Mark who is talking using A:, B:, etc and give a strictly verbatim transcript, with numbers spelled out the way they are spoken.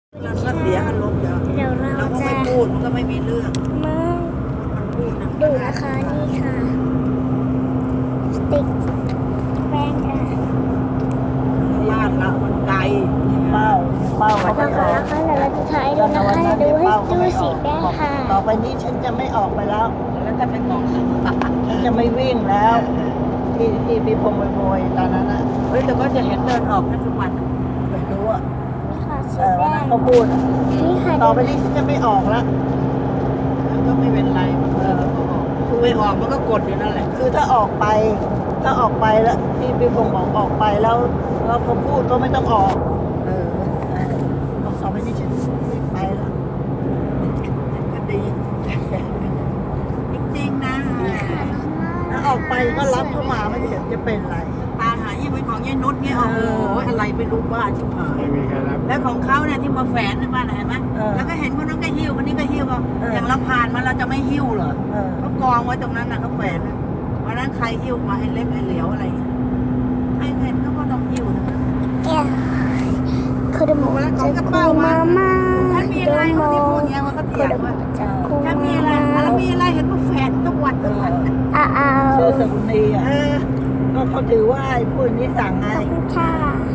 A: แล้วก็เสียอารมณ์เดี๋ยว
B: เดี๋ยวเรา
A: เราก็
B: จะ
A: ไม่พูดมันก็ไม่มีเรื่อง
B: มา
A: มันพูดนะ
B: ดูนะคะนี่ค่ะสติ๊กแป้งค่ะ
A: บ้านเรามันไกลเป้าเป้า
B: ขอบคุณนะคะเดี๋ยวเราจะถ่ายดูนะคะดูให้ดูสีแป้งค่ะ
C: ต่อไปนี้ฉันจะไม่ออกไปแล้ว
A: แล้วจะไปบอก
C: ฉันจะไม่วิ่งแล้ว ที่ที่พี่พงษ์โวยๆตอนนั้นนะ
A: เฮ้ยแต่ก็จะเห็นเดินออกแค่ทุกวัน
C: ไม่รู้อ่ะ
B: นี่ค่ะสี
C: เออวัน
B: แป้
C: นั้น
B: ง
C: เขาพูดอะ
B: นี่ค่ะ
C: ต่อไปนี้ฉันจะไม่ออกแล้ว
A: แล้วก็ไม่เป็นไรมันเออก็ออกคือไม่ออกมันก็กดอยู่นั่นแหละ
C: คือถ้าออกไป ถ้าออกไปแล้วที่พี่พงษ์บอกออกไปแล้วแล้วเขาพูดก็ไม่ต้องออก
A: เออ
C: บอกต่อไปนี้ฉันไม่ไปแล้ว
A: ก็ดีจริงๆนะ
B: นี่ค่ะน้องน่า
C: ถ้าออกไปก็รับเข้ามาไม่เห็นจะเป็นไร
A: ตาหายี่เป็นของยายนุชเนี่ยโอ้โหอะไรไม่รู้บ้าชิบหาย
D: ไม่มีใครรับ
A: แล้วของเขาเนี่ยที่มาแฝนในบ้านน่ะเห็นไหม
C: เออ
A: แล้วก็เห็นคนนั้นก็หิ้วคนนี้ก็หิ้วอ่ะ
C: เออ
A: อ
C: อ
A: ย่างเราผ่านมาเราจะไม่หิ้วเหรอ
C: เออ
A: เขากองไว้ตรงนั้นน่ะเขาแฝนน่ะวันนั้นใครหิ้วมาไอ้เล็กไอ้เหลียวอะไรเงี้ยใครเห็นเขาก็ต้องหิ้วนะ
B: แก้วคือดมจะคุยมาม่า
A: ถ้ามี
B: ด
A: อะไร
B: ม
A: เขาที่พูดเงี้ยมันก็
B: คื
A: เถี
B: อย
A: ง
B: ดม
A: ว่า
B: จะคุย
A: ถ้ามี
B: มา
A: อะไร
B: ม่า
A: แล้วมีอะไรเห็นว่าแฝนทุกวันทุกวัน
B: อ้าว
C: ชื่อสกุลนีอ่ะ
A: เออ
C: ก็เขาถือว่าไอ้ผู้นี้สั่งไง
B: ขอบคุณค่ะ